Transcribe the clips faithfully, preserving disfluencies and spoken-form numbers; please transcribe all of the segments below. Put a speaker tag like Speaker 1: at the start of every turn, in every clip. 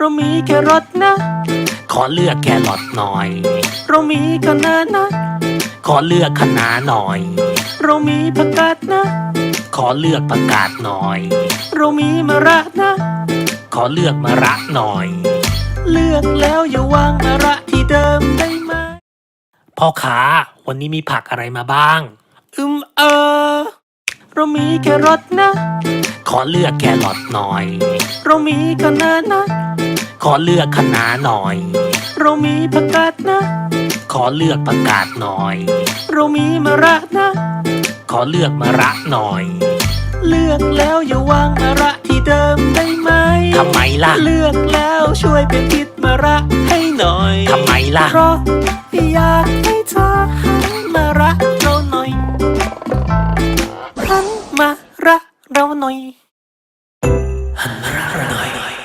Speaker 1: เรามีแครอทนะ ขอเลือกแครอทหน่อย เรามีคะน้านะ ขอเลือกคะน้าหน่อย เรามีผักกาดนะ ขอเลือกผักกาดหน่อย เรามีมะระนะ ขอเลือกมะระหน่อย เลือกแล้วอย่าวางมะระที่เดิมได้ไหมพ่อค้าวันนี้มีผักอะไรมาบ้าง อืมเออเรามีแครอทนะ ขอเลือกแครอทหน่อย เรามีคะน้านะ ขอเลือกคะน้าหน่อย เรามีผักกาดนะ ขอเลือกผักกาดหน่อย เรามีมะระนะ ขอเลือกมะระหน่อย เลือกแล้วอย่าวางมะระที่เดิมได้ไหมทำไมล่ะ เลือกแล้วช่วยเป็นทิศมะระให้หน่อยทำไมล่ะ เพราะอยากให้เธอหันมารักเราหน่อยหันมารักเราหน่อยหันมารักเราหน่อย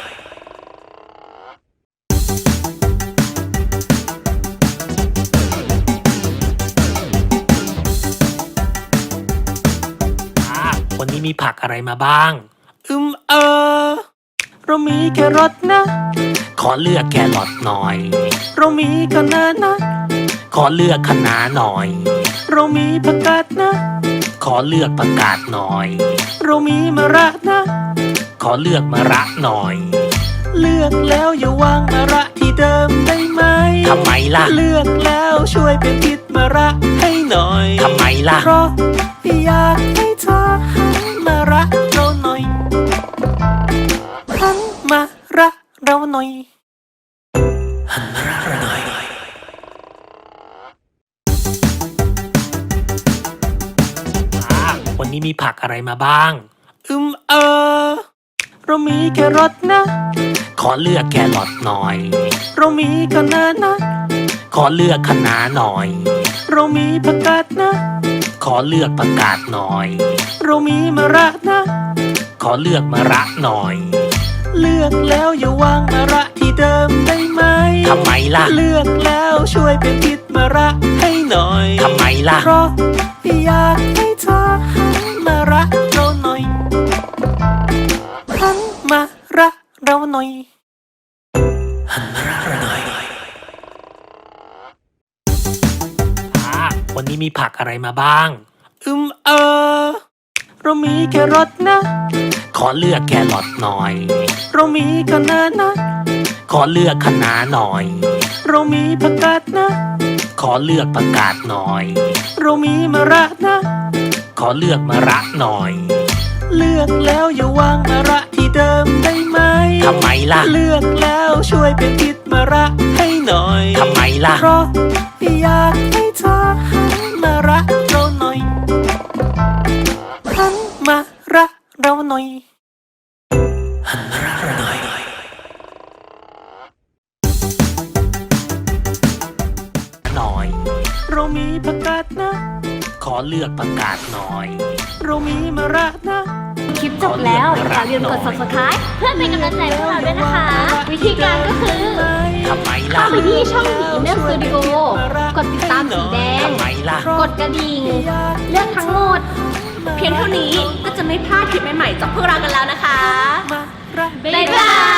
Speaker 1: วันนี้มีผักอะไรมาบ้าง อืมเออเรามีแครอทนะ ขอเลือกแครอทหน่อย เรามีคะน้านะ ขอเลือกคะน้าหน่อย เรามีผักกาดนะ ขอเลือกผักกาดหน่อย เรามีมะระนะ ขอเลือกมะระหน่อย เลือกแล้วอย่าวางมะระที่เดิมได้ไหมทำไมล่ะ เลือกแล้วช่วยเป็นทิศมะระให้หน่อยทำไมล่ะ เพราะอยากให้เธอหันมารักเราหน่อยหันมารักเราหน่อยหันมารักเราหน่อยวันนี้มีผักอะไรมาบ้าง อืมเออเรามีแครอทนะ ขอเลือกแครอทหน่อย เรามีคะน้านะ ขอเลือกคะน้าหน่อย เรามีผักกาดนะ ขอเลือกผักกาดหน่อย เรามีมะระนะ ขอเลือกมะระหน่อย เลือกแล้วอย่าวางมะระที่เดิมได้ไหมทำไมล่ะ เลือกแล้วช่วยเป็นทิศมะระให้หน่อยทำไมล่ะ เพราะอยากให้เธอหันมารักเราหน่อยหันมารักเราหน่อยหันมารักเราหน่อยวันนี้มีผักอะไรมาบ้าง อืมเออเรามีแครอทนะ ขอเลือกแครอทหน่อย เรามีคะน้านะ ขอเลือกคะน้าหน่อย เรามีผักกาดนะ ขอเลือกผักกาดหน่อย เรามีมะระนะ ขอเลือกมะระหน่อย เลือกแล้วอย่าวางมะระที่เดิมได้ไหมทำไมล่ะ เลือกแล้วช่วยเป็นทิศมะระให้หน่อยทำไมล่ะ เพราะอยากให้เธอหันมารักเราหน่อยหันมารักเราหน่อยหันมารักเราหน่อยหน่อยเรามีผักกาดนะ ขอเลือกผักกาดหน่อย เรามีมะระนะ
Speaker 2: คลิปจบแล้วอย่าลืมกด ซับสไครบ์ เพื่อเป็นกำลังใจให้พวกเราด้วยนะคะ วิธีการก็คือ
Speaker 1: ทำไมล่ะ
Speaker 2: เข้าไปที่ช่องดีเนอร์สตูดิโอกดติดตามสีแดง
Speaker 1: ทำไมล่ะ
Speaker 2: กดกระดิ่ง เลือกทั้งหมด เพียงเท่านี้ก็จะไม่พลาดคลิปใหม่ๆจากพวกเรากันแล้วนะคะ บ๊ายบาย